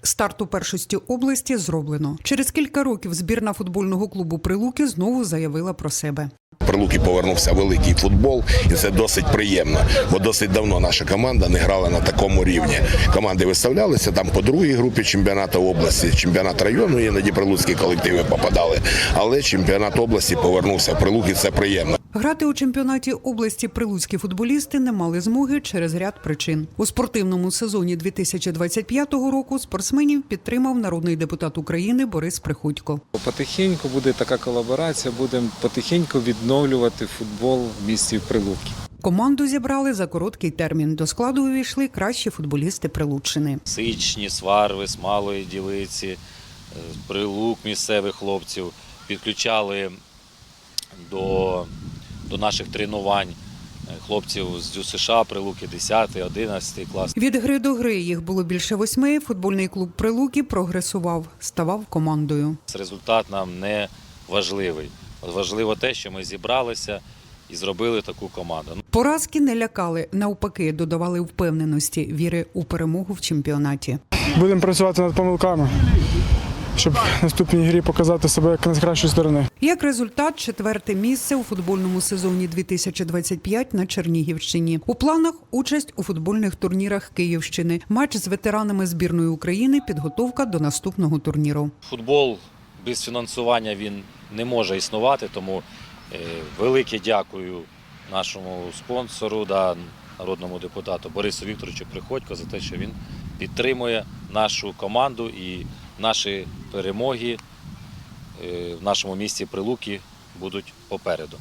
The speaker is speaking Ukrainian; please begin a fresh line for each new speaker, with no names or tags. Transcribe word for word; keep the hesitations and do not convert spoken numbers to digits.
Старт у першості області зроблено. Через кілька років збірна футбольного клубу «Прилуки» знову заявила про себе.
В Прилуки повернувся великий футбол, і це досить приємно, бо досить давно наша команда не грала на такому рівні. Команди виставлялися там по другій групі чемпіонату області, чемпіонат району, іноді прилуцькі колективи попадали, але чемпіонат області повернувся в Прилуки, це приємно.
Грати у чемпіонаті області прилуцькі футболісти не мали змоги через ряд причин. У спортивному сезоні дві тисячі двадцять п'ятого року спортсменів підтримав народний депутат України Борис Приходько.
Потихеньку буде така колаборація, будемо потихеньку відновлювати футбол в місті Прилуки.
Команду зібрали за короткий термін. До складу увійшли кращі футболісти Прилуччини.
Сичні, Сварви, Смалої, Ділиці, Прилук місцевих хлопців підключали до, до наших тренувань хлопців з ДЮСШ, Прилуки десятий, одинадцятий клас.
Від гри до гри їх було більше восьми. Футбольний клуб Прилуки прогресував, ставав командою.
Результат нам не важливий. Важливо те, що ми зібралися і зробили таку команду.
Поразки не лякали, навпаки, додавали впевненості, віри у перемогу в чемпіонаті.
Будемо працювати над помилками, щоб в наступній грі показати себе як з кращої сторони.
Як результат, четверте місце у футбольному сезоні дві тисячі двадцять п'ять на Чернігівщині. У планах участь у футбольних турнірах Київщини, матч з ветеранами збірної України, підготовка до наступного турніру.
Футбол без фінансування він не може існувати, тому велике дякую нашому спонсору, да, народному депутату Борису Вікторовичу Приходько за те, що він підтримує нашу команду і наші перемоги в нашому місті Прилуки будуть попереду.